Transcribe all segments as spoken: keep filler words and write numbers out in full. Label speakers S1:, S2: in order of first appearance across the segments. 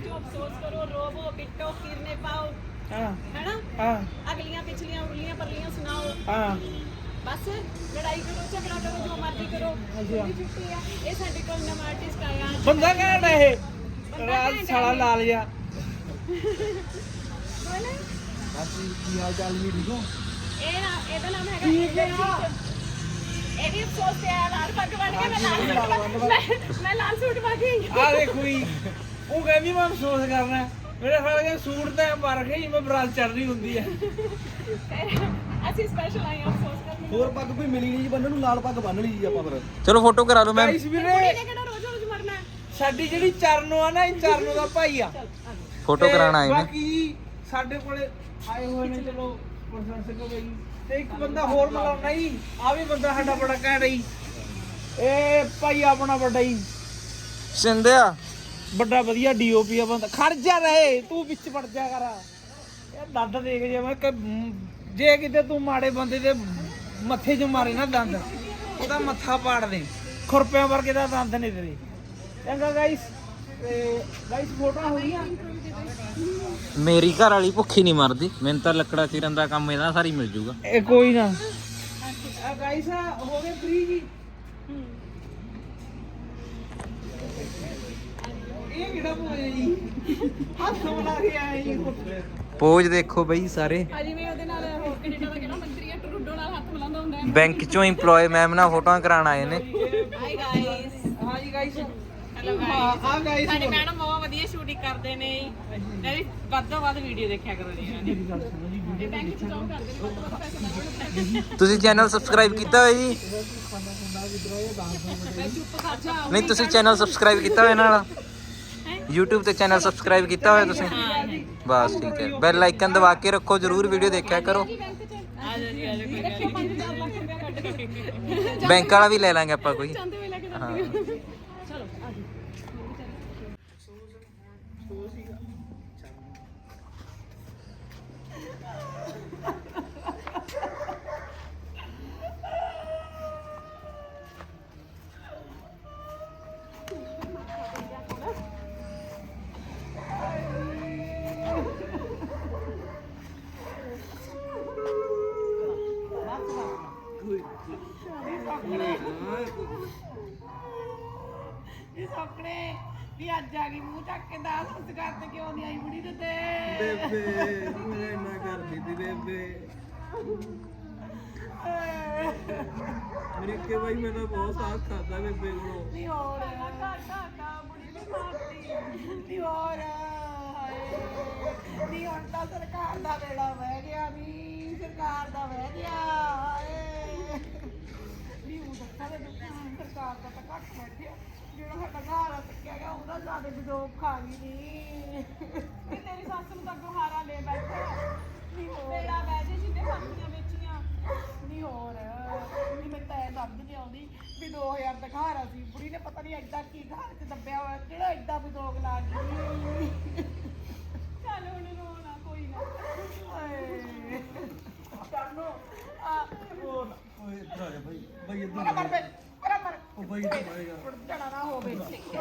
S1: सोचो अफसोस करो रोवो पिटो कीरने पाओ
S2: हाँ
S1: है ना
S2: हाँ
S1: अगलियां पिछलियां उरलियां परलियां सुनाओ
S2: हाँ
S1: बस लड़ाई करो झगड़ा करो जो मर्जी करो पूरी छुट्टी है ये साडे कोल नवा आर्टिस्ट आया
S2: बंदा घैंट है ये राज साला ला लिया
S1: कौन है
S2: बाकी की हाल चाल भी ठीक हो
S1: ਇਹ ਨਾ ਇਹਦਾ ਨਾਮ ਹੈਗਾ ਠੀਕ ਹੈ ਇਹ ਵੀ ਅਫਸੋਸ ਤੇ ਆ ਲਾਲ ਪੱਗ ਬਣ ਕੇ ਮੈਂ ਲਾਲ ਸੂਟ ਮੈਂ- ਮੈਂ ਲਾਲ ਸੂਟ ਪਾ ਕੇ ਆਈ ਹਾਂ।
S2: ਆ ਦੇਖੋ ਜੀ ਉਹ ਕਹਿੰਦੀ ਮੈਂ ਅਫਸੋਸ ਕਰਨਾ ਮੇਰੇ ਸਾਲੇ ਦੇ ਸੂਟ ਤੇ ਪਾ ਰੱਖੇ ਜਿਵੇਂ ਬਰਾਤ ਚੱਲ ਰਹੀ ਹੁੰਦੀ ਹੈ
S1: ਅਸੀਂ ਸਪੈਸ਼ਲ ਆਏ ਹਾਂ ਅਫਸੋਸ ਕਰਨ
S3: ਹੋਰ ਪੱਗ ਕੋਈ ਮਿਲੀ ਨਹੀਂ ਜੀ ਬੰਦੇ ਨੂੰ ਲਾਲ ਪੱਗ ਬੰਨ ਲਈ ਜੀ ਆਪਾਂ ਫਿਰ
S4: ਚਲੋ ਫੋਟੋ ਕਰਾ ਲਓ ਮੈਮ
S2: ਗਾਇਸ ਵੀਰੇ
S1: ਕੁੜੀ ਨੇ ਕਿਹੜਾ ਰੋਜ਼ ਰੋਜ਼ ਮਰਨਾ ਹੈ
S2: ਸਾਡੀ ਜਿਹੜੀ ਚਰਨੋ ਆ ਨਾ ਇਹ ਚਰਨੋ ਦਾ ਭਾਈ ਆ
S4: ਫੋਟੋ
S2: ਤੇ
S4: ਕਰਾਉਣ ਆਏ ਨੇ
S2: ਬਾਕੀ ਜੀ ਸਾਡੇ ਕੋਲੇ ਆਏ ਹੋਏ ਨੇ ਚਲੋ ਪ੍ਰਸ਼ੰਸਕ ਹੋ ਗਈ ਤੇ ਇੱਕ ਬੰਦਾ ਹੋਰ ਮਿਲਾਉਣਾ ਜੀ ਆ ਵੀ ਬੰਦਾ ਸਾਡਾ ਬੜਾ ਘੈਂਟ ਜੀ ਇਹ ਭਾਈ ਆਪਣਾ ਵੱਡਾ ਜੀ
S4: ਸਿੰਧਿਆ
S2: ਵੱਡਾ ਵਧੀਆ ਡੀਓਪੀ ਆ ਬੰਦਾ ਖੜ ਜਾ ਰਹੇ ਤੂੰ ਵਿੱਚ ਵੜ ਜਾ ਕਰ ਇਹ ਦੰਦ ਦੇਖ ਜੇ ਮੈਂ ਕਿ ਜੇ ਕਿਤੇ ਤੂੰ ਮਾੜੇ ਬੰਦੇ ਦੇ ਮੱਥੇ 'ਚ ਮਾਰੇ ਨਾ ਦੰਦ ਉਹਦਾ ਮੱਥਾ ਪਾੜ ਦੇ ਖੁਰਪਿਆਂ ਵਰਗੇ ਦਾ ਦੰਦ ਨੇ ਤੇਰੇ ਚੰਗਾ ਗਾਇਸ ਤੇ ਗਾਇਸ ਫੋਟੋ ਹੋ ਗਈਆਂ
S4: ਮੇਰੀ ਘਰ ਵਾਲੀ ਭੁੱਖੀ ਨਹੀਂ ਮਰਦੀ ਮੈਨੂੰ ਤਾਂ ਲੱਕੜਾ ਚੀਰਨ ਦਾ ਕੰਮ ਇਹਦਾ ਸਾਰੀ ਮਿਲ ਜੂਗਾ
S2: ਇਹ ਕੋਈ ਨਾ ਆ ਗਾਇਸ ਹੋ ਗਏ ਫ੍ਰੀ ਜੀ ਇਹ ਕਿਹੜਾ ਪੋਇਆ ਜੀ ਹੱਥ ਮਿਲਾ ਕੇ ਆਏ ਜੀ
S4: ਪੋਜ ਦੇਖੋ ਬਈ ਸਾਰੇ
S1: ਆ ਜਿਵੇਂ ਉਹਦੇ ਨਾਲ ਹੋਰ ਕੈਨੇਡਾ ਦਾ ਕਿਹੜਾ ਮੰਤਰੀ ਹੈ ਟਰੂਡੋ ਨਾਲ ਹੱਥ ਮਿਲਾਉਂਦਾ ਹੁੰਦਾ ਹੈ
S4: ਬੈਂਕ ਚੋਂ EMPLOYE ਮੈਮ ਨਾਲ ਫੋਟੋਆਂ ਕਰਾਉਣ ਆਏ ਨੇ
S1: ਹਾਈ ਗਾਇਸ
S2: ਹਾਂ ਜੀ ਗਾਇਸ
S1: ਹੈਲੋ
S2: ਹਾਂ
S1: ਗਾਇਸ
S2: ਆ ਗਾਇਸ
S1: ਸਾਡੇ ਮੈਡਮ ਬਹੁਤ ਵਧੀਆ ਸ਼ੂਟਿੰਗ ਕਰਦੇ ਨੇ ਮੈਂ ਵੀ ਵੱਧ ਤੋਂ ਵੱਧ ਵੀਡੀਓ ਦੇਖਿਆ ਕਰੋ ਜੀ ਇਹਨਾਂ ਦੀ ਬੈਂਕ ਚ ਜੌਬ ਕਰਦੇ ਨੇ ਵੱਧ ਤੋਂ ਵੱਧ ਪੈਸੇ ਮਿਲਣ
S4: ਤੁਸੀਂ ਚੈਨਲ ਸਬਸਕ੍ਰਾਈਬ ਕੀਤਾ ਹੋਇਆ ਜੀ
S1: ਮੈਂ ਚੁੱਪ ਕਰ ਜਾ
S4: ਨਹੀਂ ਤੁਸੀਂ ਚੈਨਲ ਸਬਸਕ੍ਰਾਈਬ ਕੀਤਾ ਹੋਇਆ ਇਹਨਾਂ ਵਾਲਾ YouTube ਤੇ ਚੈਨਲ ਸਬਸਕ੍ਰਾਈਬ ਕੀਤਾ ਹੋਇਆ ਤੁਸੀਂ ਬਸ ਠੀਕ ਹੈ ਬੈਲ ਆਈਕਨ ਦਬਾ ਕੇ ਰੱਖੋ ਜਰੂਰ ਵੀਡੀਓ ਦੇਖਿਆ ਕਰੋ
S1: ਆ ਜਾ ਜੀ ਆ ਜਾ ਕੋਈ ਰੱਖਿਓ ਪੰਜ ਚਾਰ ਲੱਖ ਰੁਪਏ ਕੱਢ ਕੇ
S4: ਬੈਂਕ ਵਾਲਾ ਵੀ ਲੈ ਲਾਂਗੇ ਆਪਾਂ ਕੋਈ
S1: ਜਾਂਦੇ ਹੋਏ ਲੈ ਕੇ
S4: ਹਾਂ
S1: ਜਾਂਦੇ ਚਲੋ ਆ ਜੀ ਇਹ ਸੋਕਣੇ ਵੀ ਅੱਜ ਆ ਗਈ ਮੂੰਹ ਚੱਕ ਕੇ ਦਾਸ ਸੰਸਕਾਰ ਤੇ ਕਿਉਂ ਨਹੀਂ ਆਈ ਬੁੜੀ ਤੇ
S3: ਬੇਬੇ ਮੇਰੇ ਨਾ ਕਰਦੀ ਤੀ ਬੇਬੇ ਮੇਰੇ ਕੇ ਭਾਈ ਮੈਂ ਤਾਂ ਬਹੁਤ ਸਾਥ ਖਾਦਾ ਬੇਬੇ ਕੋਲੋਂ
S1: ਨਹੀਂ ਹੋਰ ਘਾ ਘਾ ਘਾ ਬੁੜੀ ਨੇ ਮਾਰਤੀ ਨਹੀਂ ਹੋਰ ਹਾਏ ਨਹੀਂ ਹੁਣ ਤਾਂ ਸਰਕਾਰ ਦਾ ਵੇੜਾ ਵਹਿ ਗਿਆ ਵੀ ਸਰਕਾਰ ਦਾ ਵਹਿ ਗਿਆ ਹਾਏ ਨਹੀਂ ਉਹ ਦੱਸਾਂ ਦੇ ਸਰਕਾਰ ਦਾ ਤਾਂ ਘੱਟ ਬੈਠਿਆ ਜਿਹੜਾ ਸਾਡਾ ਘਰ ਆ ਸਕਿਆ ਗਿਆ ਉਹਦਾ ਜ਼ਿਆਦਾ ਵਿਦੋਕ ਖਾ ਗਈ ਨਹੀਂ ਤੇ ਤੇਰੀ ਸੱਸ ਨੂੰ ਤਾਂ ਗੁਹਾਰਾ ਲੈ ਬੈਠਾ ਨਹੀਂ ਹੋਰ ਵੇੜਾ ਬਹਿ ਜੇ ਜਿੰਨੇ ਫਾਂਸੀਆਂ ਵੇਚੀਆਂ ਨਹੀਂ ਹੋਰ ਨਹੀਂ ਮੈਂ ਤਾਂ ਇਹ ਸਮਝ ਨਹੀਂ ਆਉਂਦੀ ਵੀ ਦੋ ਹਜ਼ਾਰ ਦਾ ਘਰ ਆ ਸੀ ਬੁੜੀ ਨੇ ਪਤਾ ਨਹੀਂ ਐਡਾ ਕੀ ਘਰ 'ਚ ਦੱਬਿਆ ਹੋਇਆ ਕਿਹੜਾ ਐਡਾ ਵਿਦੋਕ ਲਾ ਗਈ ਚੱਲ ਹੁਣ ਰੋਣਾ ਕੋਈ ਨਾ ਓਏ ਕਰਨੋ ਆ
S3: ਓਏ ਇੱਧਰ ਆ ਜਾ ਭਾਈ ਭਾਈ ਇੱਧਰ
S1: ਮਰ ਬੇ ਮਰ ਮਰ
S3: ਉਹ ਭਾਈ ਇੱਧਰ ਆਏਗਾ
S1: ਜਣਾ ਨਾ ਹੋਵੇ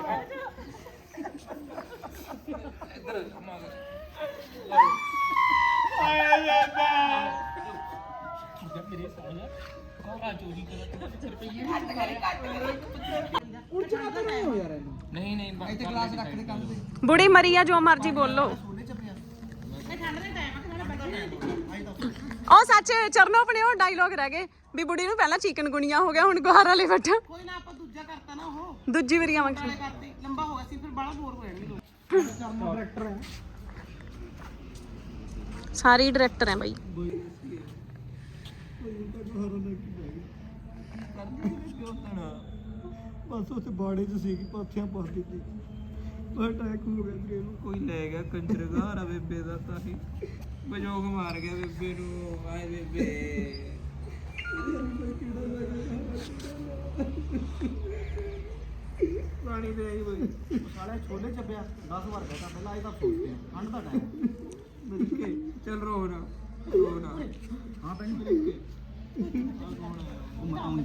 S4: ਨਹੀਂ ਨਹੀਂ
S3: ਇੱਥੇ ਗਲਾਸ ਰੱਖ ਦੇ ਕੰਨ ਤੇ
S1: ਬੁੜੀ ਮਰੀ ਆ ਜੋ ਮਰਜੀ ਬੋਲੋ ਉਹ ਸੱਚ ਚਰਨੋ ਆਪਣੇ ਉਹ ਡਾਇਲੋਗ ਰਹਿ ਗਏ ਵੀ ਬੁੜੀ ਨੂੰ ਪਹਿਲਾਂ ਚਿਕਨ ਗੁਣੀਆਂ ਹੋ ਗਿਆ ਹੁਣ ਗੁਹਾਰਾ ਲੈ ਬੈਠਾ
S5: ਕੋਈ ਨਾ ਆਪਾਂ ਦੂਜਾ ਕਰਤਾ ਨਾ ਉਹ
S1: ਦੂਜੀ ਵਾਰੀ ਆਵਾਂਗੇ
S5: ਨਾਲੇ ਕਰਤੇ ਲੰਬਾ ਹੋ ਗਿਆ ਸੀ ਫਿਰ ਬੜਾ ਬੋਰ ਹੋ ਜਾਣਗੇ ਲੋਕ
S3: ਚਰਨੋ ਡਾਇਰੈਕਟਰ ਹੈ
S1: ਸਾਰੇ ਡਾਇਰੈਕਟਰ ਹੈ ਬਾਈ
S3: ਬਸ ਉੱਥੇ ਬਾੜੇ 'ਚ ਸੀ ਪਾਥੀਆਂ ਪਾ ਦਿੱਤੀ ਪਰ ਅਟੈਕ ਹੋ ਗਿਆ ਸੀ ਇਹਨੂੰ
S2: ਕੋਈ ਲੈ ਗਿਆ ਕੰਜਰ ਘਾਰਾ ਬੇਬੇ ਦਾ ਤਾਂ ਹੀ ਬਜੋਗ ਮਾਰ ਗਿਆ ਬੇਬੇ ਨੂੰ ਆਏ ਬੇਬੇ
S3: ਪਾਣੀ ਦੇ ਆਈ ਬਈ ਸਾਲੇ ਛੋਲੇ ਚੱਬਿਆ ਦਸ ਵਾਰ ਕਹਿਤਾ ਪਹਿਲਾਂ ਇਹ ਤਾਂ ਸੋਚਦੇ ਠੰਡ ਦਾ ਟਾਈਮ
S2: ਮਿਲ ਕੇ ਚੱਲ ਰੋ ਨਾ ਰੋ ਨਾ
S3: ਹਾਂ ਪੈਣੀ ਮਿਲ ਕੇ ਆ ਕੌਣ ਹੈ ਉਹ ਮਤਾਉਂ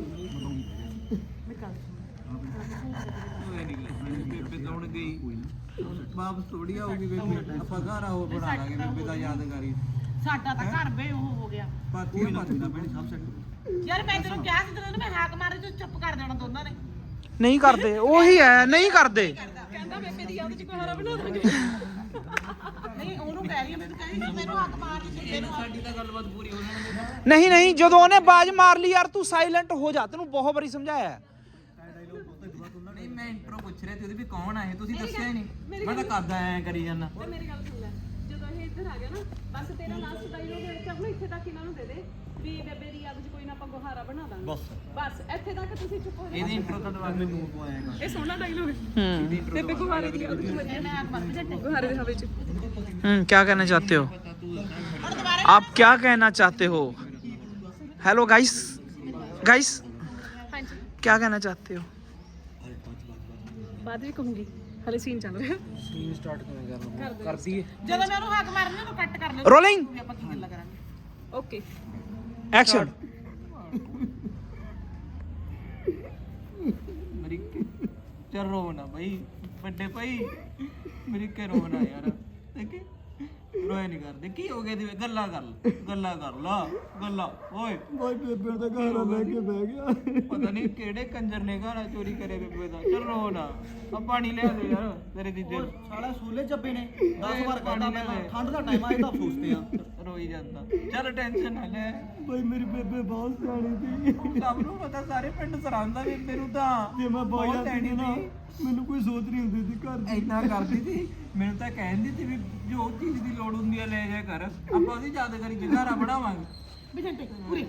S2: ਉਹ ਨਹੀਂ ਬੇਬੇ ਤਾਂ ਹੁਣ ਗਈ ਵਾਪਸ ਥੋੜੀ ਆਊਗੀ ਬੇਬੇ ਆਪਾਂ ਘਰ ਆਓ ਬਣਾ ਲਾਂਗੇ ਬੇਬੇ ਦਾ ਯਾਦਗਾਰੀ
S5: ਸਾਡਾ ਤਾਂ ਘਰ ਵੇ ਉਹ ਹੋ ਗਿਆ
S2: ਪਾਤੀ ਪਾਤੀ ਨਾ ਬਣੀ ਸਭ ਸੈੱਟ
S5: ਯਾਰ ਮੈਂ ਤੈਨੂੰ ਕਿਹਾ ਸੀ ਤੈਨੂੰ ਮੈਂ ਹਾਕ ਮਾਰੇ ਤੂੰ ਚੁੱਪ ਕਰ ਦੇਣਾ ਦੋਨਾਂ ਨੇ
S2: ਨਹੀਂ ਕਰਦੇ ਉਹੀ ਹੈ ਨਹੀਂ ਕਰਦੇ
S5: ਕਹਿੰਦਾ ਬੇਬੇ ਦੀ ਯਾਦ ਚ ਕੋਈ ਹਰਾ ਬਣਾ ਦਾਂਗੇ ਨਹੀਂ ਉਹਨੂੰ ਕਹਿ ਰਹੀ ਮੈਨੂੰ ਕਹਿ ਰਹੀ ਮੈਨੂੰ ਹਾਕ ਮਾਰ ਦੇ ਤੈਨੂੰ ਸਾਡੀ ਤਾਂ ਗੱਲਬਾਤ ਪੂਰੀ ਹੋ ਜਾਣੀ
S2: ਨਹੀਂ ਨਹੀਂ ਜਦੋਂ ਉਹਨੇ ਬਾਜ ਮਾਰ ਲਈ ਯਾਰ ਤੂੰ ਸਾਇਲੈਂਟ ਹੋ ਜਾ ਤੈਨੂੰ ਬਹੁਤ ਵਾਰੀ ਸਮਝਾਇਆ ਹੈ।
S4: ਨਹੀਂ ਮੈਂ ਇੰਟਰੋ ਪੁੱਛ ਰਿਹਾ ਤੇ ਉਹਦੀ ਵੀ ਕੌਣ ਆ ਇਹ ਤੁਸੀਂ ਦੱਸਿਆ ਹੀ ਨਹੀਂ ਮੈਂ ਤਾਂ ਕਰਦਾ ਐ ਕਰੀ ਜਾਂਦਾ
S6: ਤੇ ਮੇਰੀ ਗੱਲ ਸੁਣ ਲੈ ਜਦੋਂ ਇਹ ਇੱਧਰ ਆ ਗਿਆ ਨਾ ਬਸ ਤੇਰਾ ਲਾਸਟ ਡਾਇਲੋਗ ਵਿੱਚ ਆਪਣਾ ਇੱਥੇ ਤੱਕ ਇਹਨਾਂ ਨੂੰ ਦੇ ਦੇ ਵੀ ਬੇਬੇ ਦੀ ਯਾਦ 'ਚ ਕੋਈ ਨਾ ਆਪਾਂ ਗੁਹਾਰਾ ਬਣਾ ਦਾਂਗੇ ਬਸ ਬਸ ਇੱਥੇ ਤੱਕ ਤੁਸੀਂ ਚੁੱਪ ਹੋ ਜਾਓ
S4: ਇਹਦੀ ਇੰਟਰੋ ਤਾਂ ਦਵਾ ਮੈਨੂੰ ਆਏਗਾ
S6: ਇਹ ਸੋਹਣਾ ਡਾਇਲੋਗ ਹੈ
S2: हम्म
S6: ਬੇਬੇ ਗੁਹਾਰੇ ਦੀ ਯਾਦ 'ਚ ਮਜ਼ੇ ਮੈਂ ਆਗ ਮਾਰ ਜੱਟੇ ਗੁਹਾਰੇ ਦੇ ਹਵੇ 'ਚ
S2: हम्म क्या कहना चाहते हो आप क्या कहना चाहते हो हेलो गाइस गाइस
S6: ਹਾਂਜੀ
S2: क्या कहना चाहते हो
S6: ਬਾਅਦ ਵੀ ਕਹੂੰਗੀ ਹਲੇ ਸੀਨ ਚੱਲ ਰਿਹਾ
S2: सीन स्टार्ट करना कर दिए
S5: ਜਦੋਂ ਮੈਂ ਉਹਨੂੰ ਹਾਕ ਮਾਰਨੀ ਉਹਨੂੰ ਕੱਟ ਕਰ ਲੈ
S2: रोलिंग
S5: ਵੀ ਆਪਾਂ ਕੀ ਗੱਲਾਂ ਕਰਾਂਗੇ
S6: ਓਕੇ
S2: एक्शन
S4: ਮੇਰੀ ਚੱਲ ਰੋਣਾ ਬਈ ਵੱਡੇ ਭਾਈ ਮੇਰੀ ਕਿ ਰੋਣਾ ਯਾਰ ਦੇਖੀ ਰੋਏ ਨਹੀਂ ਕਰਦੇ ਕੀ ਹੋ ਗਿਆ ਦੀ ਗੱਲਾਂ ਕਰ ਲਾ, ਗੱਲਾਂ ਕਰ ਲਾ ਗੱਲਾਂ ਓਏ
S3: ਬਾਈ ਬੇਬੇ ਦਾ ਘਰ ਲੈ ਕੇ ਬਹਿ ਗਿਆ
S4: ਪਤਾ ਨਹੀਂ ਕਿਹੜੇ ਕੰਜਰ ਨੇ ਘਰ ਚੋਰੀ ਕਰੇ ਬੇਬੇ ਦਾ ਚੱਲ ਰੋ ਨਾ ਆ ਪਾਣੀ ਲਿਆ ਦੇ ਯਾਰ ਤੇਰੇ ਜੀਜੇ ਨੂੰ
S3: ਸਾਲਾ ਸੂਲੇ ਚੱਬੇ ਨੇ
S4: ਦਸ ਵਾਰ ਕਹਿੰਦਾ ਮੈਂ ਤਾਂ,
S3: ਠੰਡ ਦਾ ਟਾਈਮ ਆ ਇਹ ਤਾਂ ਅਫਸੋਸਦੇ ਆ
S4: ਰੋਈ ਜਾਂਦਾ ਚੱਲ ਟੈਨਸ਼ਨ ਨਾ ਲੈ
S3: ਬਾਈ ਮੇਰੀ ਬੇਬੇ ਬਹੁਤ ਸਿਆਣੀ ਸੀ
S4: ਸਭ ਨੂੰ ਪਤਾ ਸਾਰੇ ਪਿੰਡ ਸਰਾਂਦਾ ਬੇਬੇ ਨੂੰ ਤਾਂ
S3: ਜੇ ਮੈਂ ਬਾਈ
S4: ਬਹੁਤ
S3: ਆਂਦੀ
S4: ਸਿਆਣੀ
S3: ਨਾ
S4: ਸੀ।
S3: ਮੈਨੂੰ ਕੋਈ ਸੋਚ ਨਹੀਂ ਹੁੰਦੀ ਸੀ ਘਰ ਦੀ
S4: ਇੰਨਾ ਕਰਦੀ ਸੀ ਮੈਨੂੰ ਤਾਂ ਕਹਿੰਦੀ ਸੀ ਵੀ ਜੋ ਚੀਜ਼ ਦੀ ਲੋੜ ਹੁੰਦੀ ਹੈ ਲੈ ਜਾ ਕਰ ਆਪਾਂ ਉਹਦੀ ਯਾਦਗਾਰੀ ਜਗਾਰਾ ਬਣਾਵਾਂਗੇ
S5: ਵੀ ਜੱਟੇ ਪੂਰੀ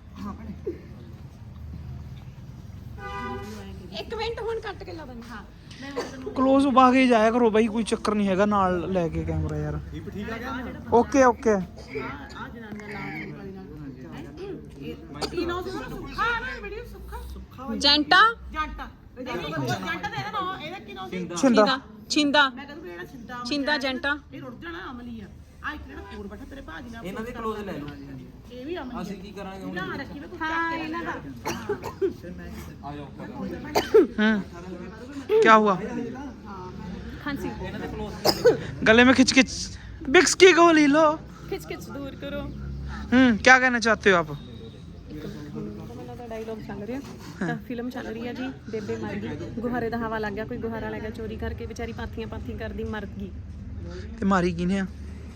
S6: ਇੱਕ ਮਿੰਟ ਹੁਣ ਕੱਟ ਕੇ ਲਾ ਦਾਂਗੇ ਹਾਂ
S2: क्लोज पा के जाया करो भाई कोई चक्कर नहीं हैगा नाल लेके कैमरा यार ओके ओके
S5: ਆ ਜਨਾਨੀਆਂ ਲਾਉਣ ਵਾਲੀ ਨਾਲ ਕੀ ਨਾਮ ਸੀ ਉਹਦਾ ਸੁੱਖਾ ਨਾ ਵੀਡੀਓ ਸੁੱਖਾ
S6: ਜੈਂਟਾ
S5: ਜੰਟਾ ਜੰਟਾ ਦੇ ਨਾ ਇਹਦਾ ਕੀ ਨਾਮ ਸੀ
S2: छिंदा
S6: ਛਿੰਦਾ
S5: ਮੈਂ ਕਹਿੰਦਾ ਵੀ ਜਿਹੜਾ ਛਿੰਦਾ
S6: ਛਿੰਦਾ ਜੈਂਟਾ
S5: ਇਹ ਰੁੱਟ ਜਾਣਾ ਅਮਲੀ ਆ ਆ ਇੱਕ ਜਿਹੜਾ ਕੋਲ ਬੈਠਾ ਤੇਰੇ ਭਾਜੀ ਨਾਲ
S4: ਇਹਨਾਂ ਦੇ ਕਲੋਜ਼ ਲੈ ਲਓ
S5: ਇਹ ਵੀ ਅਮਲੀ
S4: ਅਸੀਂ ਕੀ ਕਰਾਂਗੇ ਹੁਣ
S5: ਨਾ ਰੱਖੀ ਵੇ ਤੂੰ
S6: ਹਾਂ ਇਹਨਾਂ ਦਾ
S4: ਆ ਜਾਓ
S2: हम्म क्या हुआ
S6: ਖਾਂਸੀ
S4: ਇਹਨਾਂ ਦੇ ਕਲੋਜ਼
S2: गले में खिच खिच बिक्स की गोली लो
S6: ਖਿੱਚ ਖਿੱਚ ਦੂਰ ਕਰੋ
S2: हम्म क्या कहना चाहते हो आप
S6: ਕਮਲਾ ਦਾ ਡਾਇਲੌਗ ਚੱਲ ਰਿਹਾ ਤਾਂ ਫਿਲਮ ਚੱਲ ਰਹੀ ਹੈ ਜੀ ਬੇਬੇ ਮਰ ਗਈ ਗੁਹਾਰੇ ਦਾ ਹਵਾ ਲੱਗ ਗਿਆ ਕੋਈ ਗੁਹਾਰਾ ਲੈ ਗਿਆ ਚੋਰੀ ਕਰਕੇ ਵਿਚਾਰੀ ਪਾਥੀਆਂ ਪਾਥੀ ਕਰਦੀ ਮਰ ਗਈ
S2: ते मारी किने आ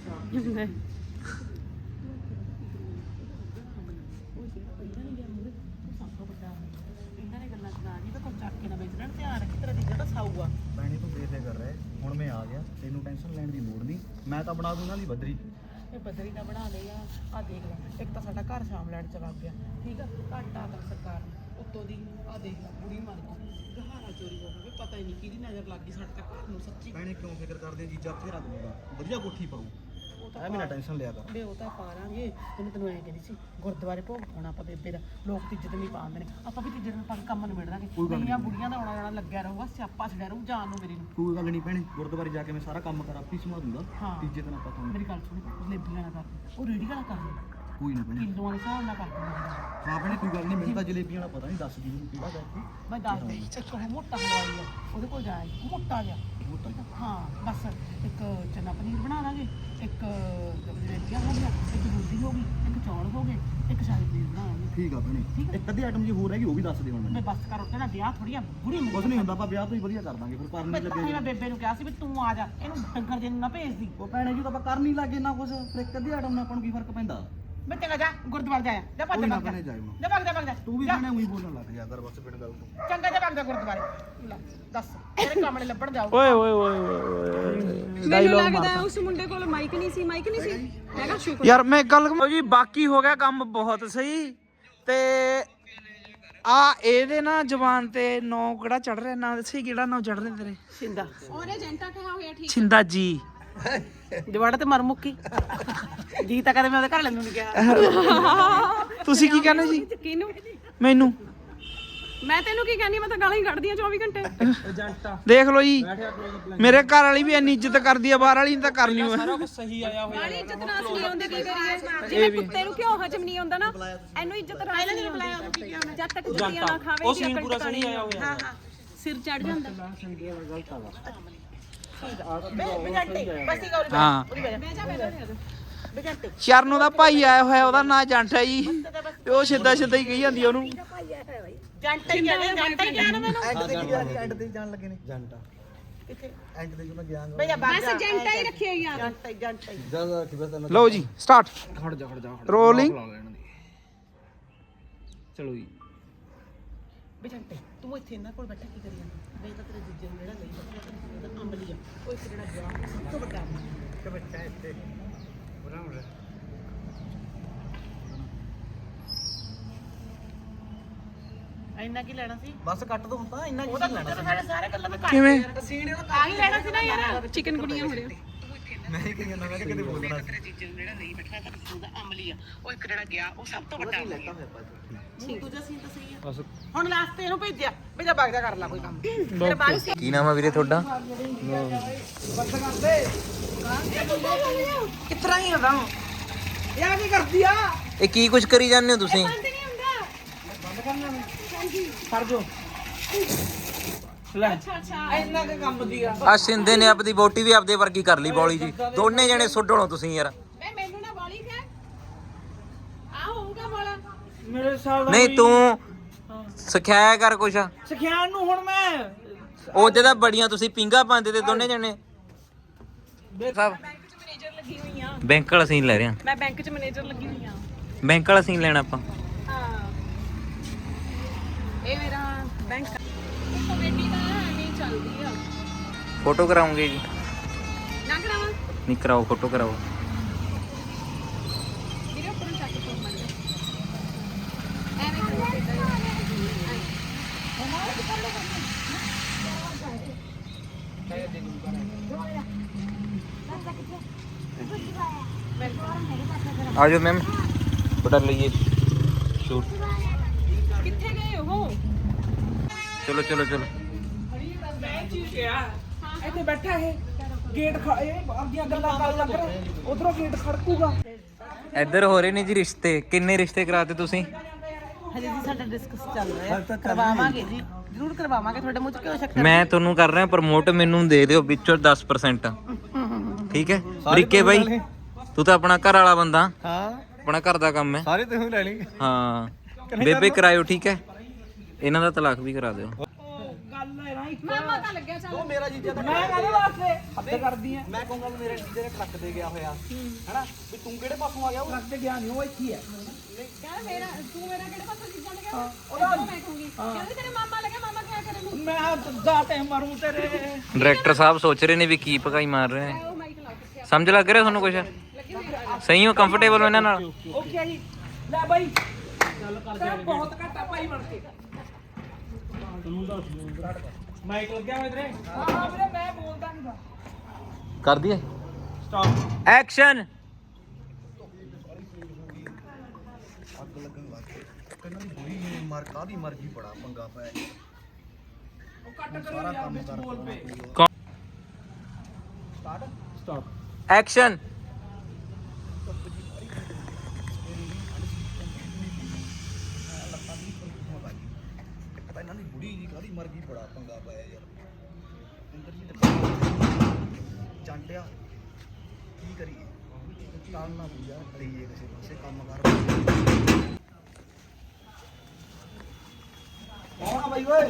S5: ਇਹਨਾਂ ਨੇ ਗੱਲਾਂ ਸੁਣਾ ਜੀ ਤਾਂ ਕੋਈ ਚੱਕ ਕੇ ਨਾ ਵੇਚ ਲੈਣ ਧਿਆਨ ਰੱਖੀ ਤੇਰਾ ਜੀਜਾ ਤਾਂ ਸਾਊ ਆ
S3: ਭੈਣੇ ਤੂੰ ਬੇਫਿਕਰ ਰਹਿ ਹੁਣ ਮੈਂ ਆ ਗਿਆ ਤੈਨੂੰ ਟੈਨਸ਼ਨ ਲੈਣ ਦੀ ਲੋੜ ਨਹੀਂ ਮੈਂ ਤਾਂ ਬਣਾ ਦੂੰਗਾ ਦੀ ਬੱਦਰੀ
S5: ਇਹ ਬਦਰੀ ਨਾ ਬਣਾ ਲਈ ਆ ਆ ਦੇਖ ਲੈ ਇੱਕ ਤਾਂ ਸਾਡਾ ਘਰ ਸ਼ਾਮ ਲੈਣ ਚ ਲੱਗ ਗਿਆ ਠੀਕ ਆ ਘਾਟਾ ਕਰ ਸਰਕਾਰ ਨੂੰ ਉੱਤੋਂ ਦੀ ਆ ਦੇਖ ਲੈ ਬੁੜੀ ਮਰ ਗਈ ਗਹਾਰਾ ਚੋਰੀ ਹੋ ਗਿਆ ਪਤਾ ਹੀ ਨਹੀਂ ਕਿਹਦੀ ਨਜ਼ਰ ਲੱਗ ਗਈ ਸਾਡੇ ਤੱਕ ਘਰ ਨੂੰ ਸੱਚੀ
S3: ਭੈਣੇ ਕਿਉਂ ਫਿਕਰ ਕਰਦੇ ਜੀਜਾ ਫੇਰਾ ਦੂੰਗਾ ਵਧੀਆ ਕੋਠੀ ਪਾਉ
S5: ਉਹ ਤਾਂ
S3: ਐ ਮੇਰਾ ਟੈਨਸ਼ਨ ਲਿਆ ਕਰ
S5: ਬੇ ਉਹ ਤਾਂ ਪਾ ਲਾਂਗੇ ਉਹਨੂੰ ਤੈਨੂੰ ਐਂ ਕਹਿੰਦੀ ਸੀ ਗੁਰਦੁਆਰੇ ਭੋਗ ਪਾਉਣਾ ਆਪਾਂ ਬੇਬੇ ਦਾ ਲੋਕ ਤਿੱਜਤ ਨਹੀਂ ਪਾਉਂਦੇ ਨੇ ਆਪਾਂ ਵੀ ਤਿੱਜਤ ਨੂੰ ਪਾ ਕੇ ਕੰਮ ਨਿਬੜ ਦਾਂਗੇ ਕੁੜੀਆਂ ਬੁੜੀਆਂ ਦਾ ਆਉਣਾ ਜਾਣਾ ਲੱਗਿਆ ਰਹੂਗਾ ਸਿਆਪਾ ਛੜਿਆ ਰਹੂ ਜਾਨ ਨੂੰ ਮੇਰੀ ਨੂੰ
S3: ਕੋਈ ਗੱਲ ਨਹੀਂ ਭੈਣੇ ਗੁਰਦੁਆਰੇ ਜਾ ਕੇ ਮੈਂ ਸਾਰਾ ਕੰਮ ਕਰਾਂ ਆਪੀ ਸਮਾ ਦੂੰਗਾ
S5: ਹਾਂ।
S3: ਤੀਜੇ ਦਿਨ ਆਪਾਂ ਤੁਹਾਨੂੰ
S5: ਮੇਰੀ ਗੱਲ ਸੁਣ ਜਲੇਬੀਆਂ ਨਾ ਕਰ ਉਹ ਰੇੜੀ ਵਾਲਾ ਕਰ ਲੈ
S3: ਕੋਈ ਨਾ ਭੈਣੇ
S5: ਕਿਲੋਆਂ ਦੇ ਹਿਸਾਬ ਨਾਲ ਕਰ ਦਿੰਦਾ
S3: ਹਾਂ ਭੈਣੇ ਕੋਈ ਗੱਲ ਨਹੀਂ ਮੈਨੂੰ ਤਾਂ ਜਲੇਬੀਆਂ ਦਾ ਪਤਾ ਨਹੀਂ ਦੱਸ ਦੀ ਮੈਨੂੰ ਕਿਹੜਾ ਕਰਕੇ
S5: ਮੈਂ ਦੱਸ ਦੇ ਇੱਕ ਉਹ ਮੋਟਾ ਹਲਵਾਈ ਆ ਉਹਦੇ ਕੋਲ ਜਾਏ ਮੋਟਾ ਜਿਹਾ
S3: ਮੋਟਾ ਜਿਹਾ।
S5: ਹਾਂ ਬਸ ਇੱਕ ਚਨਾ ਪਨੀਰ ਬਣਾ ਲਾਂਗੇ ਇੱਕ ਜਲੇਬੀਆਂ ਹੋ ਗਿਆ ਇੱਕ ਦੁੱਧੀ ਹੋ ਗਈ ਇੱਕ ਚੌਲ ਹੋ ਗਏ ਇੱਕ ਸ਼ਾਹੀ ਪਨੀਰ ਬਣਾ ਲਾਂਗੇ
S3: ਠੀਕ ਆ ਭੈਣੇ
S5: ਠੀਕ ਆ।
S3: ਇੱਕ ਅੱਧੀ ਆਈਟਮ ਜੀ ਹੋਰ ਹੈਗੀ ਉਹ ਵੀ ਦੱਸ ਦੇ ਹੁਣ
S5: ਮੈਂ
S3: ਮੈਨੂੰ
S5: ਬਸ ਕਰ ਉੱਤੇ ਨਾ ਵਿਆਹ ਥੋੜੀ ਆ ਬੁੜੀ ਮੁੰਡੀ
S3: ਕੁਛ ਨਹੀਂ ਹੁੰਦਾ ਆਪਾਂ ਵਿਆਹ ਤੋਂ ਹੀ ਵਧੀਆ ਕਰ ਦਾਂਗੇ ਫਿਰ ਕਰਨ
S5: ਮੈਂ
S3: ਨਹੀਂ
S5: ਤਾਂ ਹੀ ਮੈਂ
S3: ਲੱਗੇ
S5: ਬੇਬੇ ਨੂੰ ਕਿਹਾ ਸੀ ਵੀ ਤੂੰ ਆ ਜਾ ਇਹਨੂੰ ਡੰਗਰ ਜੇ ਨੂੰ ਨਾ ਭੇਜਦੀ
S3: ਉਹ ਭੈਣੇ ਜੀ ਤਾਂ ਆਪਾਂ ਕਰ ਨਹੀਂ ਲੱਗੇ ਨਾ ਕੁਛ ਫਿਰ ਇੱਕ ਅੱਧੀ ਆਈਟਮ ਨਾਲ ਆਪਾਂ ਨੂੰ ਕੀ ਫਰਕ ਪੈਂਦਾ
S5: ਮੈਂ ਚੰਗਾ ਜਾ ਗੁਰਦੁਆਰੇ ਜਾਇਆ ਜਾ ਭੱਜ
S3: ਕੋਈ ਨਾ
S5: ਭੱਜ ਜਾ
S3: ਭੈਣੇ ਜਾਇਓ ਨਾ।
S5: ਜਾ ਭੱਜ ਜਾ ਭੱਜ ਜਾ
S3: ਤੂੰ ਵੀ
S5: ਜਾ।
S3: ਭੈਣੇ ਉਹੀ ਬੋਲਣ ਲੱਗ ਜਾ ਕਰ ਬਸ ਬਿਨ ਗੱਲ ਤੋਂ
S5: ਚੰਗਾ ਜਾ ਭੱਜ ਜਾ ਗੁਰਦੁਆਰੇ ਲੈ ਦੱਸ ਤੇਰੇ ਕੰਮ ਨੇ ਲੱਭਣ ਜਾਓ
S2: ओए ओए ओए ओए
S6: ਮੈਨੂੰ
S2: डायलॉग
S6: ਲੱਗਦਾ ਹੈ ਉਸ ਮੁੰਡੇ ਕੋਲ ਮਾਈਕ ਨਹੀਂ ਸੀ ਮਾਈਕ ਨਹੀਂ ਸੀ ਹੈਗਾ ਸ਼ੁਕਰ
S2: ਯਾਰ ਮੈਂ ਇੱਕ ਗੱਲ ਕਹਾਂ ਜੀ ਬਾਕੀ ਹੋ ਗਿਆ ਕੰਮ ਬਹੁਤ ਸਹੀ ਤੇ ਆ ਇਹਦੇ ਨਾ ਜ਼ਬਾਨ ਤੇ ਨੌ ਕਿਹੜਾ ਚੜ ਰਿਹਾ ਨਾ ਦੱਸੀ ਕਿਹੜਾ ਨੌ ਚੜ ਰਿਹਾ ਤੇਰੇ
S5: ਸਿੰਦਾ
S6: ਉਹਨੇ ਜੈਂਟਾ ਕਿਹਾ ਹੋਇਆ ਠੀਕ
S2: ਛਿੰਦਾ ਜੀ
S5: ਜਵਾੜਾ ਤੇ ਮਰ ਮੁੱਕੀ ਜੀ ਤਾਂ ਕਦੇ ਮੈਂ ਉਹਦੇ ਘਰ ਲੈਣ ਨੂੰ ਨਹੀਂ ਗਿਆ
S2: ਤੁਸੀਂ ਕੀ ਕਹਿੰਦੇ ਜੀ
S6: ਕਿਹਨੂੰ
S2: ਮੈਨੂੰ
S6: ਮੈਂ ਤੈਨੂੰ ਕੀ ਕਹਿੰਦੀ ਮੈਂ ਤਾਂ ਗਾਲਾਂ ਹੀ ਕੱਢਦੀ ਆ ਚੌਵੀ ਘੰਟੇ
S2: ਦੇਖ ਲਓ ਜੀ ਮੇਰੇ ਘਰ ਵਾਲੀ ਵੀ ਇੰਨੀ ਇੱਜ਼ਤ ਕਰਦੀ ਆ ਬਾਹਰ ਵਾਲੀ ਨੇ ਤਾਂ ਕਰਨੀ ਓ ਸਾਰਾ ਕੁਝ ਸਹੀ ਆਇਆ
S6: ਗਾਲੀ ਇੱਜ਼ਤ ਨਾਲ ਨਹੀਂ ਆਉਂਦੀ ਕੀ ਕਰੀਏ ਜਿਵੇਂ ਕੁੱਤੇ ਨੂੰ ਘਿਓ ਹਜਮ ਨਹੀਂ ਆਉਂਦਾ ਨਾ ਇਹਨੂੰ ਇੱਜ਼ਤ ਨਾਲ ਨਹੀਂ ਬੁਲਾਇਆ ਜਦ ਤੱਕ ਜੁੱਤੀਆਂ ਨਾ ਖਾਵੇ ਉਹ ਸੀਨ ਪੂਰਾ ਸਹੀ ਆਇਆ ਹੋਇਆ ਹਾਂ ਹਾਂ ਸਿਰ ਚੜ ਜਾਂਦਾ
S5: ਬੇਜੰਟੇ ਬਸ ਹੀ ਗੌਰੀ
S2: ਹਾਂ
S5: ਬੈਠ ਜਾ ਬੈਠ ਜਾ ਬੇਜੰਟੇ
S2: ਚਰਨੋਂ ਦਾ ਭਾਈ ਆਇਆ ਹੋਇਆ, ਉਹਦਾ ਨਾਂ ਜੰਟ ਹੈ ਜੀ, ਤੇ ਉਹ ਸਿੱਧਾ ਸਿੱਧਾ ਹੀ ਕਹੀ ਜਾਂਦੀ ਆ ਉਹਨੂੰ।
S5: ਜੰਟਾ ਹੀ ਕਹਿੰਦੇ ਜੰਟਾ ਹੀ ਕਹਿਣਾ ਮੈਨੂੰ
S3: ਐਂਡ ਤੇ ਕੀ ਗਿਆ ਐਂਡ ਤੇ ਜਾਣ ਲੱਗੇ ਨੇ ਜੰਟਾ
S5: ਕਿੱਥੇ
S3: ਐਂਡ ਤੇ ਜਦੋਂ ਗਿਆ
S5: ਬਈ ਆ
S6: ਬਸ ਜੰਟਾ ਹੀ ਰੱਖਿਓ ਯਾਰ।
S5: ਜੰਟਾ ਹੀ ਜੰਟਾ ਹੀ
S3: ਜਿਆਦਾ ਕਿ ਬਸ ਇਹਨਾਂ
S2: ਲਓ ਜੀ ਸਟਾਰਟ
S4: ਖੜ ਜਾ ਖੜ ਜਾ
S2: ਰੋਲਿੰਗ।
S4: ਚਲੋ ਜੀ।
S5: ਬੇਜੰਟੇ ਤੂੰ ਇੱਥੇ ਇਹਨਾਂ ਕੋਲ ਬੈਠਾ ਕੀ ਕਰੀ ਜਾਂਦਾ ਬਈ ਤਾਂ ਤੇਰੇ ਜੀਜੇ ਨੂੰ ਜਿਹੜਾ ਲਈ ਬੈਠਾ ਅੰਬਲੀ ਆ ਉਹ ਇੱਕ ਜਿਹੜਾ ਗਿਆ ਸਭ ਤੋਂ ਵੱਡਾ ਤੇ ਬੱਚਾ ਇੱਥੇ ਬੁਰਾ ਹੋ ਰਿਹਾ ਇੰਨਾ ਕੀ ਲੈਣਾ ਸੀ
S3: ਬਸ ਕੱਟ ਦੋ ਹੁਣ ਤਾਂ ਇੰਨਾ
S5: ਉਹਦਾ ਲੈਣਾ ਸਾਡੇ ਸਾਰੇ ਗੱਲਾਂ ਤੇ
S2: ਕਿਵੇਂ
S5: ਸੀਨ
S6: ਆ ਹੀ ਲੈਣਾ ਸੀ ਨਾ ਯਾਰ ਚਿਕਨ ਗੁਣੀਆਂ ਹੋ ਰਿਹਾ।
S3: ਮੈਂ ਹੀ ਕਹੀ ਜਾਂਦਾ ਮੈਂ ਕਿਹਾ ਕਿਤੇ ਬੋਲਣਾ
S5: ਤੇਰੇ ਜੀਜੇ ਨੂੰ ਜਿਹੜਾ ਲਈ ਬੈਠਾ ਤਾਂ ਉਹਦਾ ਅਮਲੀ ਆ ਉਹ ਇੱਕ ਜਿਹੜਾ ਗਿਆ ਉਹ ਸਭ ਤੋਂ ਵੱਡਾ ਅਮਲੀ ਆ ਦੂਜਾ ਸੀਨ ਤਾਂ ਸਹੀ ਆ ਹੁਣ ਲਾਸਟ ਤੇ ਇਹਨੂੰ ਭੇਜਿਆ ਭੇਜਾ ਬਾਗ ਜਾ ਕਰ ਲੈ ਕੋਈ ਕੰਮ ਤੇਰੇ ਬਾਅਦ ਸੀ
S4: ਕੀ ਨਾਮ ਆ ਵੀਰੇ ਤੁਹਾਡਾ?
S5: ਕਿਤਰਾ ਹੀ ਹੁੰਦਾ
S2: ਇਹ ਕੀ ਕਰਦੀ ਆ?
S4: ਇਹ ਕੀ ਕੁਝ ਕਰੀ ਜਾਂਦੇ ਹੋ ਤੁਸੀਂ?
S6: ਬੰਦ ਨਹੀਂ ਹੁੰਦਾ।
S2: ਕਰ ਜੋ ਲੈ
S6: ਅੱਛਾ ਅੱਛਾ
S2: ਇੰਨਾ ਕੁ ਕੰਮ ਦੀ ਆ।
S4: ਆ ਸਿੰਦੇ ਨੇ ਆਪਦੀ ਬੋਟੀ ਵੀ ਆਪਦੇ ਵਰਗੀ ਕਰ ਲਈ ਬੌਲੀ ਜੀ, ਦੋਨੇ ਜਣੇ ਸੁੱਡਣੋ ਤੁਸੀਂ ਯਾਰ।
S6: ਵੇ ਮੈਨੂੰ ਨਾ ਵਾਲੀ ਕਹਿ ਆ ਹੋਊਗਾ ਵਾਲਾ।
S2: ਮੇਰੇ ਸਾਲ ਦਾ
S4: ਨਹੀਂ ਤੂੰ ਸਿਖਾਇਆ ਕਰ ਕੁਛ।
S2: ਸਿਖਿਆਣ ਨੂੰ ਹੁਣ ਮੈਂ
S4: ਉਹਦੇ ਤਾਂ ਬੜੀਆਂ ਤੁਸੀਂ ਪਿੰਗਾ ਪਾਉਂਦੇ ਤੇ ਦੋਨੇ ਜਣੇ। ਸਾਹਿਬ
S6: ਬੈਂਕ 'ਚ ਮੈਨੇਜਰ ਲੱਗੀ ਹੋਈ ਆ।
S4: ਬੈਂਕ ਵਾਲਾ ਸੀਨ ਲੈ ਰਹੇ ਆ।
S6: ਮੈਂ ਬੈਂਕ 'ਚ ਮੈਨੇਜਰ ਲੱਗੀ ਹੋਈ ਆ।
S4: ਬੈਂਕ ਵਾਲਾ ਸੀਨ ਲੈਣਾ ਆਪਾਂ।
S6: ਹਾਂ ਇਹ ਮੇਰਾ ਬੈਂਕ ਕਮੇਟੀ ਦਾ ਨਹੀਂ ਚੱਲਦੀ ਆ।
S4: ਫੋਟੋ ਕਰਾਉਂਗੇ ਜੀ?
S6: ਨਾ ਕਰਾਵਾਂ
S4: ਨਹੀਂ ਕਰਾਓ, ਫੋਟੋ ਕਰਾਓ।
S6: ਵੀਰੇ ਉੱਪਰੋਂ ਚੱਕ ਕੇ ਫੋਨ ਮੰਨ ਐਵੇਂ ਕਰੋ ਕਿੱਦਾਂ
S4: ਆ ਜਾਓ ਮੈਮ, ਫੋਟੋ ਲਈਏ ਸ਼ੂਟ।
S6: ਕਿੱਥੇ ਗਏ ਉਹ?
S4: ਚਲੋ ਚਲੋ ਚਲੋ।
S2: ਮੈਂ ਚੀਜ਼ ਕਿਹਾ ਇੱਥੇ ਬੈਠਾ ਇਹ ਗੇਟ ਇਹ ਆਪਦੀਆਂ ਗੱਲਾਂ ਕਰਨ ਲੱਗ ਰਿਹਾ, ਉਧਰੋਂ ਗੇਟ ਖੜਕੂਗਾ।
S4: ਇੱਧਰ ਹੋ ਰਹੇ ਨੇ ਜੀ ਰਿਸ਼ਤੇ। ਕਿੰਨੇ ਰਿਸ਼ਤੇ ਕਰਾਤੇ ਤੁਸੀਂ?
S5: ਹਜੇ ਜੀ ਸਾਡਾ ਡਿਸਕਸ ਚੱਲ ਰਿਹਾ ਕਰਵਾਵਾਂਗੇ ਜੀ ਜ਼ਰੂਰ ਕਰਵਾਵਾਂਗੇ। ਤੁਹਾਡੇ ਮੂੰਹ 'ਚ ਕਿਉਂ ਸ਼ੱਕ
S4: ਮੈਂ ਤੁਹਾਨੂੰ ਕਰ ਰਿਹਾ ਪ੍ਰਮੋਟ, ਮੈਨੂੰ ਦੇ ਦਿਓ ਵਿੱਚੋਂ ਦਸ ਪਰਸੈਂਟ। ਠੀਕ ਹੈ ਬਰੀਕੇ ਬਾਈ, ਤੂੰ ਤਾਂ ਆਪਣਾ ਘਰ ਵਾਲਾ ਬੰਦਾ,
S3: ਹਾਂ
S4: ਆਪਣਾ ਘਰ ਦਾ ਕੰਮ ਹੈ।
S3: ਸਾਰੇ ਤੁਸੀਂ ਲੈ ਲਈ
S4: ਹਾਂ ਬੇਬੇ ਕਰਾਇਓ ਠੀਕ ਹੈ, ਇਹਨਾਂ ਦਾ ਤਲਾਕ ਵੀ ਕਰਾ ਦਿਓ।
S2: ਗੱਲ ਹੈ ਨਾ ਇੱਕ
S6: ਮਾਮਾ ਤਾਂ ਲੱਗਿਆ ਚੱਲ।
S3: ਮੇਰਾ ਜੀਜਾ ਤਾਂ
S2: ਮੈਂ ਕਹਿੰਦਾ ਵਾਸਤੇ ਹੱਦ ਕਰਦੀ ਆ।
S3: ਮੈਂ ਕਹੂੰਗਾ ਵੀ ਮੇਰੇ ਜੀਜੇ ਨੇ ਟਰੱਕ ਤੇ ਗਿਆ ਹੋਇਆ ਹੈਨਾ, ਵੀ ਤੂੰ ਕਿਹੜੇ ਪਾਸੋਂ ਆ ਗਿਆ ਉਹ
S2: ਰੱਖ ਤੇ ਗਿਆ ਨਹੀਂ, ਉਹ ਇੱਥੇ ਹੈ।
S6: ਕਹਿੰਦਾ ਮੇਰਾ ਤੂੰ ਮੇਰਾ ਕਿਹੜੇ ਪਾਸੇ ਚੀਜ਼ਾਂ ਲੱਗਿਆ? ਉਹਦਾ ਮੈਂ ਕਹੂੰਗੀ ਕਹਿੰਦੇ ਤੇਰੇ ਮਾਮਾ ਲੱਗਿਆ, ਮਾਮਾ ਕਿਆ ਕਰੇ ਨੂੰ?
S2: ਮੈਂ ਦਾ ਟਾਈਮ ਮਾਰੂ ਤੇਰੇ।
S4: ਡਾਇਰੈਕਟਰ ਸਾਹਿਬ ਸੋਚ ਰਹੇ ਨੇ ਵੀ ਕੀ ਭਗਾਈ ਮਾਰ ਰਹੇ ਨੇ।
S6: ਉਹ ਮਾਈਕ ਲਾ ਕੇ
S4: ਸਮਝ ਲੱਗ ਰਿਹਾ ਤੁਹਾਨੂੰ ਕੁਛ?
S6: ਲੱਗੀ ਹੋਈ ਆ।
S4: ਸਹੀ ਹੋ, ਕੰਫਰਟੇਬਲ ਹੋ ਇਹਨਾਂ ਨਾਲ?
S2: ਓਕੇ ਜੀ ਲੈ ਬਾਈ ਚੱਲ ਕਰ ਦੇ। ਬਹੁਤ ਘੱਟ ਆ ਭਾਈ ਬਣ ਕੇ। ਤੈਨੂੰ ਦੱਸ ਮਾਈਕ ਲੱਗਿਆ ਹੋਇਆ ਤੇਰੇ? ਹਾਂ ਵੀਰੇ ਮੈਂ ਬੋਲਦਾ ਨਹੀਂ ਗਾ।
S4: ਕਰ ਦਈਏ
S2: ਸਟਾਪ
S4: ਐਕਸ਼ਨ।
S3: ਅੱਗ ਲੱਗਣ ਲੱਗ ਗਈ ਕਹਿੰਦਾ ਦੀ ਬੁਰੀ ਮਰ ਕਾਦੀ ਮਰਜੀ ਬੜਾ ਪੰਗਾ ਪਿਆ ਜੀ।
S2: ਉਹ ਕੱਟ ਕਰੋ ਯਾਰ ਵਿੱਚ ਬੋਲ ਪੇ।
S3: Start
S2: stop
S4: action.
S3: ਪਤਾ ਇਹਨਾਂ ਦੀ ਬੁੜੀ ਜੀ ਕਾਦੀ ਮਰਜੀ ਬੜਾ ਪੰਗਾ ਪਿਆ ਯਾਰ। ਇੰਦਰ ਜੀ ਚੰਟਿਆ ਕੀ ਕਰੀਏ, ਕਾਲ ਨਾ ਪੂਜਾ ਕਰੀਏ ਕਿਸੇ ਪਾਸੇ ਕੰਮ ਕਰ। ਕੌਣ ਆ ਬਾਈ ਓਏ?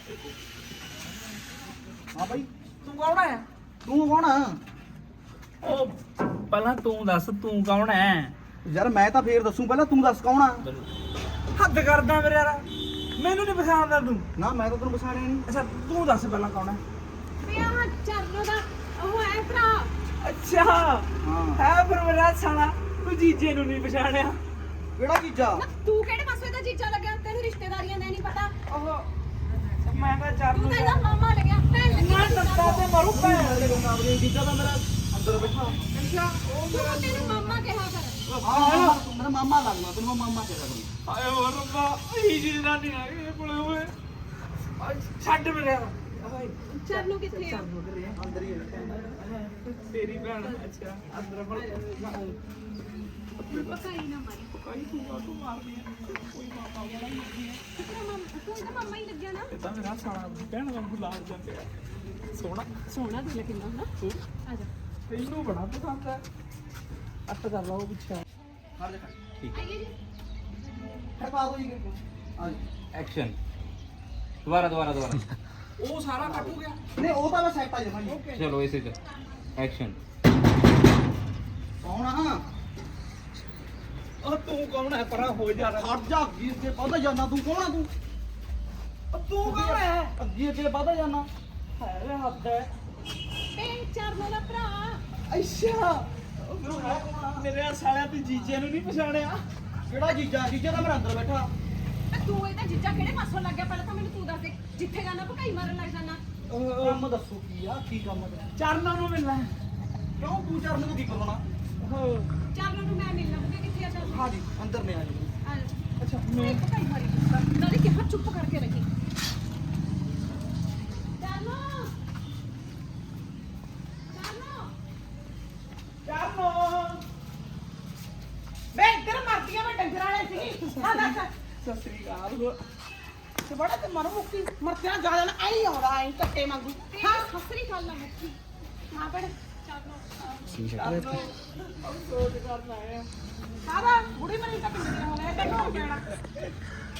S3: ਹਾਂ ਬਾਈ
S2: ਤੂੰ ਕੌਣ ਹੈ?
S3: ਤੂੰ ਕੌਣ ਆ?
S2: ਉਹ ਪਹਿਲਾਂ ਤੂੰ ਦੱਸ ਤੂੰ ਕੌਣ ਹੈ?
S3: ਯਾਰ ਮੈਂ ਤਾਂ ਫੇਰ ਦੱਸੂ, ਪਹਿਲਾਂ ਤੂੰ ਦੱਸ ਕੌਣ ਆ?
S2: ਹੱਦ ਕਰਦਾ ਮੇਰੇ ਯਾਰ, ਮੈਨੂੰ ਨਹੀਂ ਪਛਾਣਦਾ ਤੂੰ।
S3: ਨਾ ਮੈਂ ਤਾਂ ਤੈਨੂੰ ਪਛਾਣਿਆ ਨਹੀਂ।
S2: ਅੱਛਾ ਤੂੰ ਦੱਸ ਪਹਿਲਾਂ ਕੌਣ ਹੈ?
S6: ਵੀ ਆਹ ਚਰਨੋ ਦਾ ਉਹ ਹੈ ਭਰਾ।
S2: ਅੱਛਾ
S3: ਹਾਂ
S2: ਹੈ ਫਿਰ ਮੇਰਾ ਸਾਲਾ, ਤੂੰ ਜੀਜੇ ਨੂੰ ਨਹੀਂ ਪਛਾਣਿਆ।
S3: ਕਿਹੜਾ ਚੀਜ਼ਾ?
S6: ਨਾ ਤੂੰ ਕਿਹੜੇ ਪਾਸੇ ਦਾ ਜੀਜਾ ਲੱਗਿਆ? ਤੈਨੂੰ ਰਿਸ਼ਤੇਦਾਰੀਆਂ ਦਾ ਨਹੀਂ ਪਤਾ।
S2: ਉਹ ਮੈਂ ਤਾਂ ਚਾਰ
S6: ਤੂੰ
S2: ਨੂੰ
S6: ਤਾਂ ਇਹਦਾ ਮਾਮਾ ਲੱਗਿਆ, ਭੈਣ ਲੱਗਿਆ।
S2: ਮੈਂ ਦੱਸਦਾ ਤੇ ਮਰੂ ਭੈਣ ਦੇ ਕੋਲ।
S3: ਆਪਣੀ ਜੀਜਾ ਤਾਂ ਮੇਰਾ ਅੰਦਰ ਬੈਠਾ।
S2: ਅੱਛਾ ਉਹ
S6: ਤੂੰ ਤੈਨੂੰ ਮਾਮਾ ਕਿਹਾ ਕਰ।
S3: ਹਾਂ ਮੇਰਾ ਮਾਮਾ ਲੱਗਦਾ, ਤੈਨੂੰ ਮੈਂ ਮਾਮਾ ਕਿਹਾ ਕਰੂੰ।
S2: ਆਏ ਹੋ ਰੱਬਾ, ਇਹ ਜੀ ਨਾ ਨਹੀਂ ਆ ਗਏ ਕੋਲੇ ਓਏ। ਆ ਛੱਡ ਮੇਰੇ ਓਏ।
S6: ਚਰਨੋ ਕਿੱਥੇ ਆ?
S3: ਅੰਦਰ ਹੀ ਹੈ।
S2: ਤੇਰੀ ਭੈਣ ਅੱਛਾ ਅੰਦਰ ਬੜ
S6: ਪਕਾਈ ਨਾ ਮਾਰੀ।
S2: ਕੋਈ ਤੂੰ ਆ ਤੂੰ ਮਾਰਦੀ ਹੈ ਕੋਈ ਮਾਮਾ ਵਾਲਾ ਨਹੀਂ ਹੈ।
S6: ਤੇਰਾ ਮਾਮਾ ਤੂੰ ਇਹਦਾ ਮਾਮਾ ਹੀ ਲੱਗਿਆ ਨਾ।
S2: ਇਹ ਤਾਂ ਮੇਰਾ ਸਾਲਾ ਭੈਣ ਵਾਂਗੂ ਲਾਲ ਜਾਂਦੇ ਆ। ਸੋਹਣਾ
S6: ਸੋਹਣਾ ਦਿਲ ਕਿੰਨਾ ਹਨਾ ਆ ਜਾ
S2: ਤੈਨੂੰ ਬੜਾ ਪਸੰਦ ਹੈ ਅੱਟ ਕਰ ਲਾ ਉਹ ਪਿੱਛੇ
S3: ਖੜ ਜਾ ਖੜ
S6: ਆਈਏ ਜੀ
S3: ਖੜਪਾ ਦੋ ਜੀ ਆ ਜੀ
S4: ਐਕਸ਼ਨ ਦੁਬਾਰਾ ਦੁਬਾਰਾ ਦੁਬਾਰਾ
S2: ਉਹ ਸਾਰਾ ਕੱਟ ਹੋ ਗਿਆ
S3: ਨਹੀਂ ਉਹ ਤਾਂ ਮੈਂ ਸੈੱਟ ਆ ਜਾਵਾਂ ਜੀ
S4: ਚਲੋ ਇਸੇ ਚ ਐਕਸ਼ਨ
S3: ਕੌਣ ਆ
S2: ਉਹ ਤੂੰ ਕੌਣ ਹੈ ਪਰਾਂ ਹੋ ਜਾ
S3: ਖੜ ਜਾ ਅੱਗੇ ਅੱਗੇ ਵੱਧ ਜਾਣਾ ਤੂੰ ਕੌਣ ਆ ਤੂੰ
S2: ਤੂੰ ਕੌਣ ਹੈ
S3: ਅੱਗੇ ਅੱਗੇ ਵੱਧ ਜਾਣਾ
S2: ਹੈ ਵੇ ਹੱਦ ਹੈ
S6: ਤੇ ਚਰਨੋਂ ਦਾ ਭਰਾ
S2: ਅੱਛਾ ਮੇਰੇ ਸਾਲਿਆਂ ਤੇ ਜੀਜੇ ਨੂੰ ਨਹੀਂ ਪਛਾਣਿਆ
S3: ਕਿਹੜਾ ਜੀਜਾ ਜੀਜਾ ਤਾਂ ਮੇਰਾ ਅੰਦਰ ਬੈਠਾ
S6: ਤੇ ਤੂੰ ਇਹਦਾ ਜੀਜਾ ਕਿਹੜੇ ਪਾਸੋਂ ਲੱਗ ਗਿਆ ਪਹਿਲਾਂ ਤਾਂ ਮੈਨੂੰ ਤੂੰ ਦੱਸ ਦੇ ਜਿੱਥੇ ਜਾਣਾ ਭਕਾਈ ਮਾਰਨ ਲੱਗ ਜਾਣਾ
S3: ਕੰਮ ਦੱਸੋ ਕੀ ਆ ਕੀ ਕੰਮ ਆ
S2: ਚਰਨਾਂ ਨੂੰ ਮਿਲਣਾ ਹੈ।
S3: ਕਿਉਂ ਤੂੰ ਚਰਨ ਨੂੰ ਕੀ ਕਰਵਾਉਣਾ
S6: ਚਰਨੋਂ ਨੂੰ ਮੈਂ ਮਿਲਣਾ ਬੁਕੇ ਕਿੱਥੇ ਆ ਚਰਨੋਂ
S3: ਹਾਂ ਜੀ ਅੰਦਰ ਨੇ ਆ ਜੀ
S6: ਆ ਜਾ
S2: ਅੱਛਾ
S6: ਮੈਂ ਭਕਾਈ ਮਾਰੀ ਦੱਸਾਂ ਨਾਲੇ ਕਿਹਾ ਚੁੱਪ ਕਰਕੇ ਰਹੀ ਚਰਨੋਂ ਚਰਨੋਂ
S2: ਚਰਨੋ
S1: ਮੈਂ ਇੱਧਰ ਮਰਦੀਆਂ ਮੈਂ ਡੰਗਰ ਵਾਲੇ ਸੀ ਹਾਂ ਦੱਸ
S2: ਸਤਿ ਸ੍ਰੀ ਅਕਾਲ
S1: ਤੇ ਬੜਾ ਤੇ ਮਰ ਮੁੱਕੀ ਮਰਤਿਆਂ ਜ਼ਿਆਦਾ ਨਾ ਆਈ ਆਉਂਦਾ ਆਈ ਕੱਟੇ ਵਾਂਗੂ
S6: ਹਾਂ ਸਸਰੀ ਗੱਲ ਨਾ ਮੁੱਕੀ ਹਾਂ ਬੜ ਚਰਨੋਂ
S2: ਸੋਚ ਕਰਨਾ ਹੈ
S1: ਸਾਰਾ ਬੁੜੀ ਮਰੀ ਤਾਂ ਪਿੰਡ ਦੇ ਹੋ ਗਿਆ ਤੇ ਹੋ ਜਾਣਾ